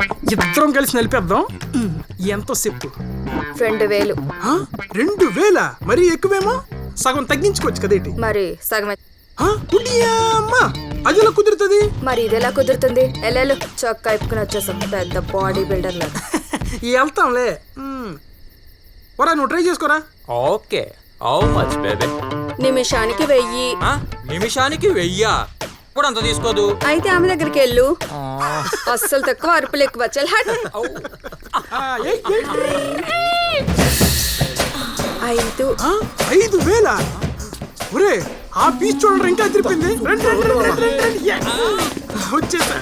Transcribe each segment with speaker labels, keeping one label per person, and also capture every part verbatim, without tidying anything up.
Speaker 1: ఇద్దరం కలిసి నలిపేద్దాం. ఎంతో చెప్పు.
Speaker 2: రెండు వేలు.
Speaker 1: రెండు వేల మరి ఎక్కువేమో, సగం తగ్గించుకోవచ్చు కదేటి.
Speaker 2: మరి సగం
Speaker 1: అమ్మా అది ఎలా కుదురుతుంది?
Speaker 2: మరి ఇది ఎలా కుదురుతుంది? ఎల్లెలు చొక్కా ఇప్పుకుని వచ్చేసాం, పెద్ద బాడీ బిల్డర్ లా.
Speaker 1: వెళ్తాంలే. ఒరా నువ్వు ట్రై చేసుకోరా.
Speaker 3: Okay, how much baby?
Speaker 2: నిమిషానికి వెయ్యి.
Speaker 3: నిమిషానికి వెయ్యా? ఇప్పుడు అంత తీసుకోదు.
Speaker 2: అయితే ఆమె దగ్గరికి వెళ్ళు. అస్సలు తక్కువ, అరుపులు ఎక్కువ. చల్ హట్. ఐదు
Speaker 1: ఐదు వేల ఒరే ఆ పీస్ చూడండి ఇంకా తిరిపింది. వచ్చేసా.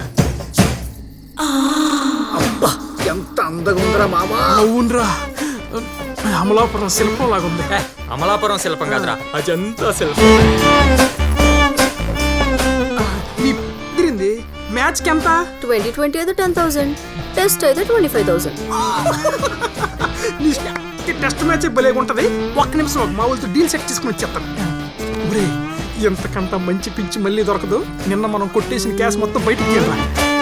Speaker 4: ఎంత అందంగా ఉందిరా మామా.
Speaker 1: అవునరా, అమలాపురం శిల్పం లాగుంది.
Speaker 3: అమలాపురం శిల్పం కాదురా, అజంతా శిల్పం.
Speaker 1: తిరింది మ్యాచ్ కి ఎంత?
Speaker 2: ట్వంటీ ట్వంటీ అయితే టెన్ థౌసండ్, టెస్ట్ అయితే twenty five thousand.
Speaker 1: Test match భలేగుంటది. ఒక్క నిమిషం మా వాళ్ళతో డీల్ సెట్ చేసుకుని వచ్చేస్తాను. ఒరే ఎంతకంత మంచి పిచ్చి మళ్ళీ దొరకదు. నిన్న మనం కొట్టేసిన క్యాష్ మొత్తం బయటికి వెళ్ళా.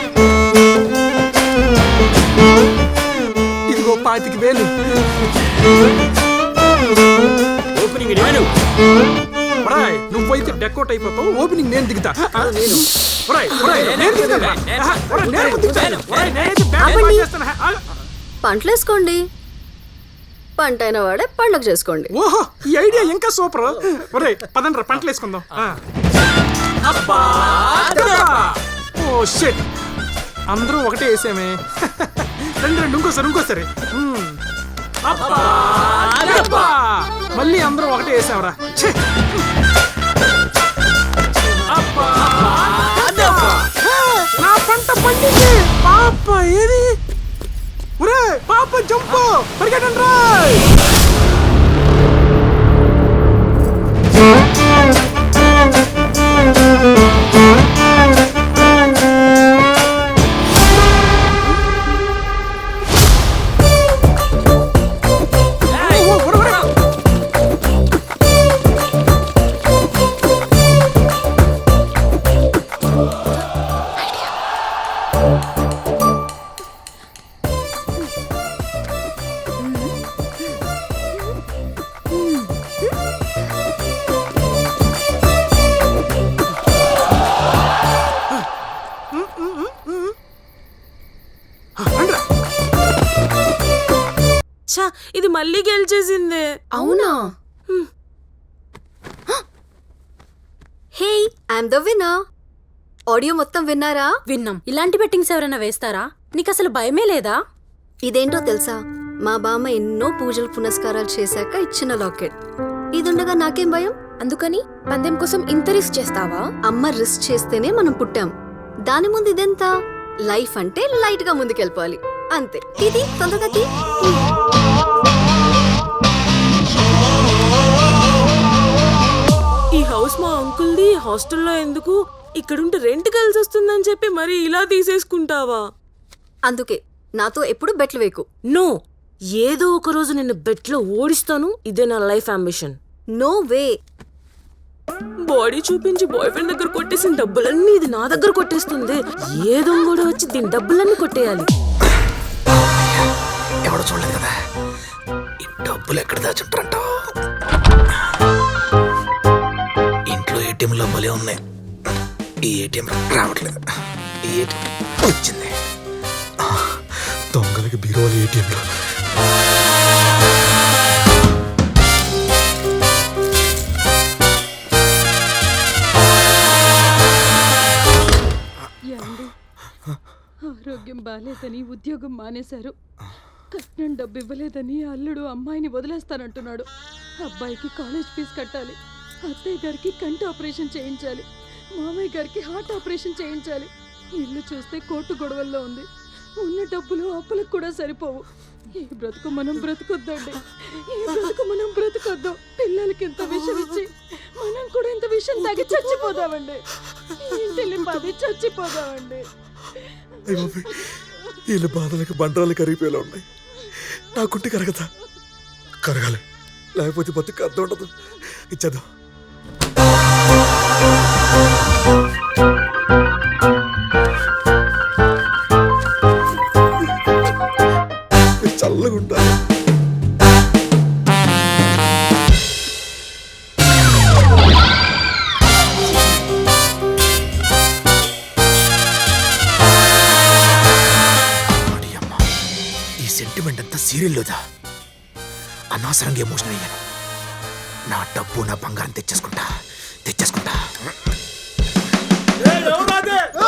Speaker 1: ఇదిగో పాతిక వేలు.
Speaker 3: ఓపెనింగ్
Speaker 1: నువ్వైతే డెకోట్ అయిపోతావు. ఓపెనింగ్ నేను దిగుతా.
Speaker 2: పంటలు వేసుకోండి, పంట అయిన వాడే పండుగ చేసుకోండి.
Speaker 1: ఓహో ఈ ఐడియా ఇంకా సూపర్. ఒరే పదండ్రా పంటలు వేసుకుందాం. ఓ షిట్, అందరూ ఒకటే వేసామే. రెండు రెండు ఇంకోసారి ఇంకోసారి మళ్ళీ అందరూ ఒకటే వేసామరా. నా పంట పండింది. పాప ఏది? ఒరే పాప జంపు, పరిగెట్టండి రా.
Speaker 5: ఇది మళ్ళీ గెలిచేసిందే.
Speaker 2: అవునా? Hey, I'm the winner. Audio మొత్తం విన్నారా?
Speaker 5: విన్నాం. ఇలాంటి బెట్టింగ్స్ ఎవరైనా వేస్తారా? నీకు అసలు భయమే లేదా?
Speaker 2: ఇదేంటో తెలుసా, మా బామ్మ ఎన్నో పూజలు పునస్కారాలు చేశాక ఇచ్చిన లాకెట్. ఇదుండగా నాకేం భయం?
Speaker 5: అందుకని పందెం కోసం ఇంత రిస్క్ చేస్తావా?
Speaker 2: అమ్మ రిస్క్ చేస్తేనే మనం పుట్టాం. దాని ముందు ఇదెంత? లైఫ్ అంటే లైట్ గా ముందుకెళ్ళిపోవాలి అంతే. ఇది తొందరగా తీ.
Speaker 5: ఈ హౌస్ మా అంకుల్ది. హాస్టల్లో ఎందుకు, ఇక్కడుంటే రెంట్ కలిసి వస్తుందని చెప్పి మరి ఇలా తీసేసుకుంటావా?
Speaker 2: అందుకే నాతో ఎప్పుడు బెట్లు వేకు.
Speaker 5: నో, ఏదో ఒక రోజు నిన్ను బెట్లో ఓడిస్తాను. ఇదే నా life ambition.
Speaker 2: No way.
Speaker 5: Body చూపించి బాయ్ ఫ్రెండ్ దగ్గర కొట్టేసిన డబ్బులన్నీ ఇది నా దగ్గర కొట్టేస్తుంది. ఏదో కూడా వచ్చి దీని డబ్బులన్నీ కొట్టేయాలి.
Speaker 4: ఎవడో చూడలేదు కదా, ఈ డబ్బులు ఎక్కడ దాచుంటారంట. ఇంట్లో ఏటీఎంలో భలే ఉన్నాయి. ఈ ఏటీఎం రావట్లేదు. ఈ ఏటీఎం వచ్చింది. దొంగలకి బీరోలు ఏటీఎంలో.
Speaker 6: ఆరోగ్యం బాలేదని ఉద్యోగం మానేశారు. కట్నం డబ్బు ఇవ్వలేదని అల్లుడు అమ్మాయిని వదిలేస్తానంటున్నాడు. అబ్బాయికి కాలేజ్ ఫీజు కట్టాలి. అత్తయ్య గారికి కంటి ఆపరేషన్ చేయించాలి. మామయ్య గారికి హార్ట్ ఆపరేషన్ చేయించాలి. ఇల్లు చూస్తే కోర్టు గొడవల్లో ఉంది. ఉన్న డబ్బులు అప్పులకు కూడా సరిపోవు. ఈ బ్రతుకు మనం బ్రతుకొద్దండి. ఈ బ్రతుకు మనం బ్రతుకొద్దాం. పిల్లలకి ఇంత విషం ఇచ్చి మనం కూడా ఇంత విషం తాగి చచ్చిపోదామండి. ఇంటిల్లి పది చచ్చిపోదామండి.
Speaker 4: వీళ్ళ బాధలకు బండరాలు కరిగిపోయేలా ఉన్నాయి. నాకుంటే కరగదా? కరగాలి, లేకపోతే బతుకు అర్థం ఉండదు. ఇచ్చేద్దాం. మూమెంట్ అంతా సీరియల్లోదా అనవసరంగా ఎమోషనల్ అయ్యాను. నా డబ్బు నా బంగారం తెచ్చేసుకుంటా తెచ్చేసుకుంటా
Speaker 7: ఏ, ఎవరు రాదే?